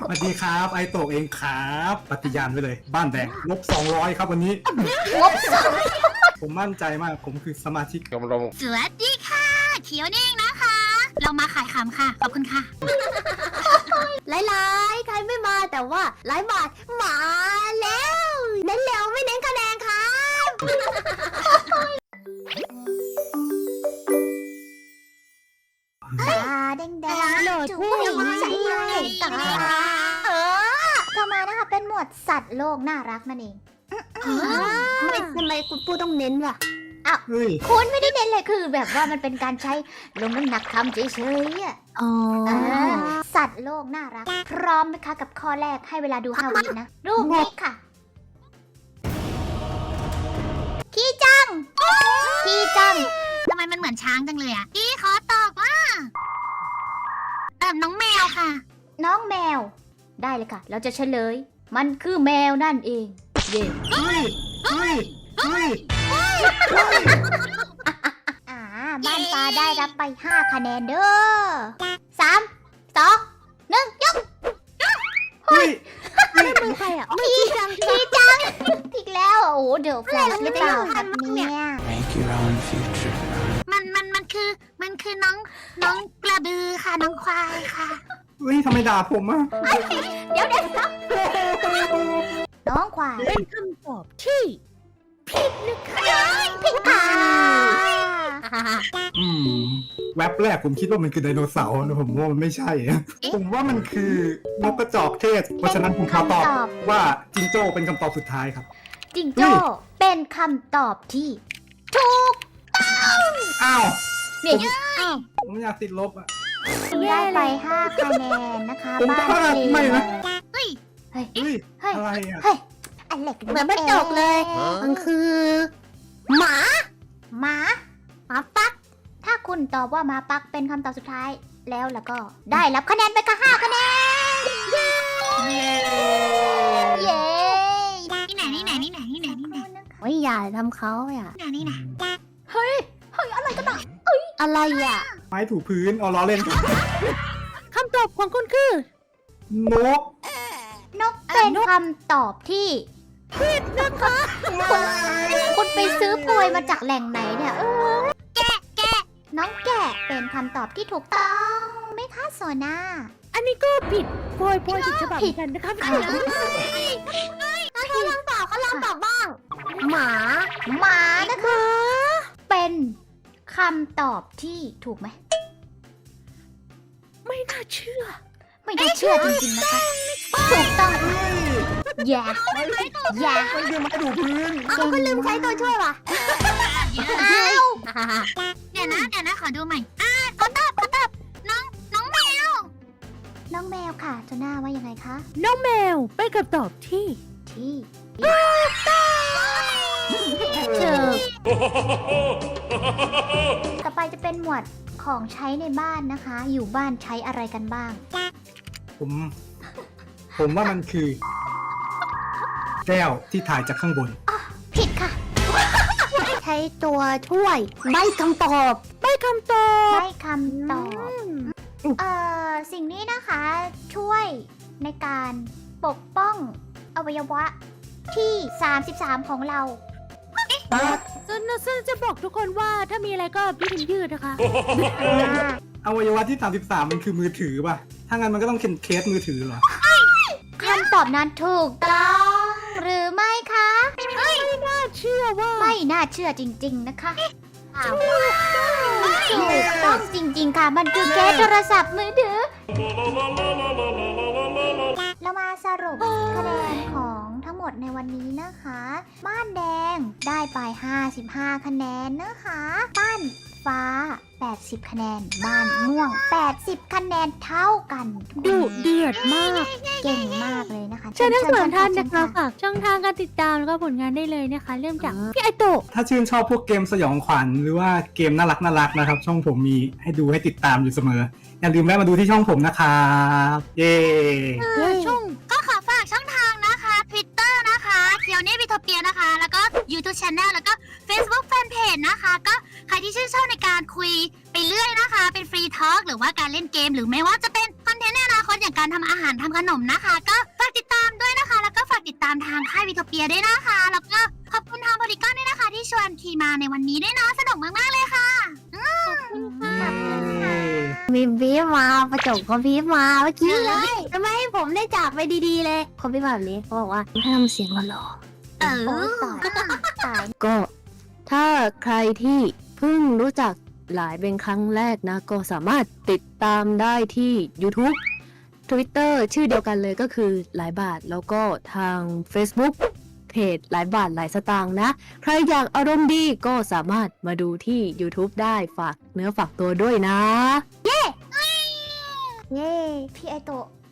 สวัสดีครับไอโตะเองครับปฏิญาณไว้เลยบ้านแดงลบ200ครับวันนี้ลบผมมั่นใจมากผมคือสมาชิกกำลังสวัสดีค่ะเขียวนี่เองนะคะ เรามาขายขำค่ะขอบคุณค่ะหลายๆใครไม่มาแต่ว่าหลายบาทมาแล้วเน้นเร็วไม่เน้นคะแนนครับตาแดงๆโหลดผู้หญิงใจตาต่อมานะคะเป็นหมวดสัตว์โลกน่ารักนั่นเองทำไมคุณปูต้องเน้นล่ะอ้าวคุณไม่ได้เน้นเลยคือแบบว่ามันเป็นการใช้ลงน้ำหนักคำเฉยๆอ่ะสัตว์โลกน่ารักพร้อมไหมคะกับข้อแรกให้เวลาดู5 วินะรูปนี้ค่ะขี้จังทำไมมันเหมือนช้างจังเลยอ่ะพี่ขอตอบว่าน้องแมวค่ะน้องแมวได้เลยค่ะเราจะเฉลยมันคือแมวนั่นเองเย่บ้านฟ้าได้รับไป5 คะแนนเด้อ3 2 1ยกเฮ้ยไม่มือใครอ่ะขี้จังอีกแล้วโอ้โหเดี๋ยวแฟลชหรือเปล่าครับเนี่ย Make your own future. มันคือน้องกระบือค่ะน้องควายค่ะเฮ้ยทำไมด่าผมอ่ะเดี๋ยวครับน้องควายเป็นคำตอบที่ผิดนะคะผิดค่ะแว็บแรกผมคิดว่ามันคือไดโนเสาร์นะผมว่ามันไม่ใช่ผมว่ามันคือนกกระจอกเทศเพราะฉะนั้นผมขอตอบว่าจิงโจ้เป็นคำตอบสุดท้ายครับจิงโจ้เป็นคำตอบที่ถูกต้องอ้าวเนี่ยผมอยากติดลบอ่ะได้ไป5 คะแนนนะคะบ้านไม่นะเฮ้ยอะไรอ่ะอันเล็กเหมือนไม่จบเลยมันคือหมาปักถ้าคุณตอบว่าหมาปักเป็นคำตอบสุดท้ายแล้วก็ได้รับคะแนนไปค่ะ5 คะแนนเย้นี่ไหนไม่อย่าทำเขาอ่ะนี่ไหนเฮ้ยอะไรกันอ่ะอะไรอ่ะไม้ถูพื้นเอาล้อเล่นคำตอบของคุณคือนกเป็นคำตอบที่ผิดนะคะคุณไปซื้อกล้วยมาจากแหล่งไหนเนี่ยแกะน้องแกะเป็นคำตอบที่ถูกต้องไม่คะโซน่าอันนี้ก็ผิดโพยผิดฉบับกันนะคะเขาลองตอบบ้างหมานะคะเป็นคำตอบที่ถูกไหมไม่น่าเชื่อจริงๆนะคะถูกต้องอย่าไม่คือไม้ถูพื้นก็ลืมใช้ตัวช่วยว่ะเดี๋ยวนะขอดูใหม่เขาตอบน้องแมวค่ะโจน่าว่ายังไงคะน้องแมวเป็นคำตอบที่ต่อไปจะเป็นหมวดของใช้ในบ้านนะคะอยู่บ้านใช้อะไรกันบ้างผมว่ามันคือแก้วที่ถ่ายจากข้างบนผิดค่ะใช้ตัวช่วยใบคำตอบสิ่งนี้นะคะช่วยในการปกป้องอวัยวะที่33ของเราจะบอกทุกคนว่าถ้ามีอะไรก็พี่พิมพ์ยืดนะคะอวัยวะที่33มันคือมือถือป่ะถ้างั้นมันก็ต้องเคสมือถือเหรอคำตอบนั้นถูกต้องหรือไม่คะไม่น่าเชื่อจริงๆนะคะถูกต้องจริงๆค่ะมันคือเคสโทรศัพท์มือถือเรามาสรุปคะแนนของทั้งหมดในวันนี้นะคะบ้านแดงได้ไป55 คะแนนนะคะบ้านฟ้า80 คะแนนบ้านม่วง80 คะแนนเท่ากันดุเดือดมากเก่งมากเลยนะคะเชิญทั้งสองท่านนะคะฝากช่องทางการติดตามแล้วก็ผลงานได้เลยนะคะเริ่มจากพี่ไอโตะถ้าชื่นชอบพวกเกมสยองขวัญหรือว่าเกมน่ารักนะครับช่องผมมีให้ดูให้ติดตามอยู่เสมออย่าลืมแวะมาดูที่ช่องผมนะครับเย้ช่องก็ขอฝากช่องทางนะคะ Twitter นะคะเคียวเน่วิทเปียนะคะแล้วก็ YouTube Channel แล้วก็ Facebook Fanpage นะคะก็ใครรที่ชื่นชอบในการคุยไปเรื่อยนะคะ เป็นฟรีทอล์กหรือว่าการเล่นเกมหรือไม่ว่าจะเป็นคอนเทนต์ในอนาคตอย่างการทำอาหารทำขนมนะคะ ก็ฝากติดตามด้วยนะคะ แล้วก็ฝากติดตามทางค่ายวิโทเปียด้วยนะคะ แล้วก็ขอบคุณทางโพลีกอนด้วยนะคะ ที่ชวนคีมาในวันนี้ด้วยนะสนุกมากๆเลยค่ะมีบีบมาประจบเขาบีบมาเมื่อกี้เลยทำไมให้ผมได้จากไปดีๆเลยเขาบีบแบบนี้เขาบอกว่าให้ทำเสียงหล่อเอโอ้อตายๆก็ถ้าใครที่เพิ่งรู้จักหลายเป็นครั้งแรกนะ ก็สามารถติดตามได้ที่ YouTube Twitter ชื่อเดียวกันเลยก็คือหลายบาทแล้วก็ทาง Facebook เพจหลายบาทหลายสตางค์นะ ใครอยากอารมณ์ดีก็สามารถมาดูที่ YouTube ได้ฝากเนื้อฝากตัวด้วยนะเย้พี่ไอโตะ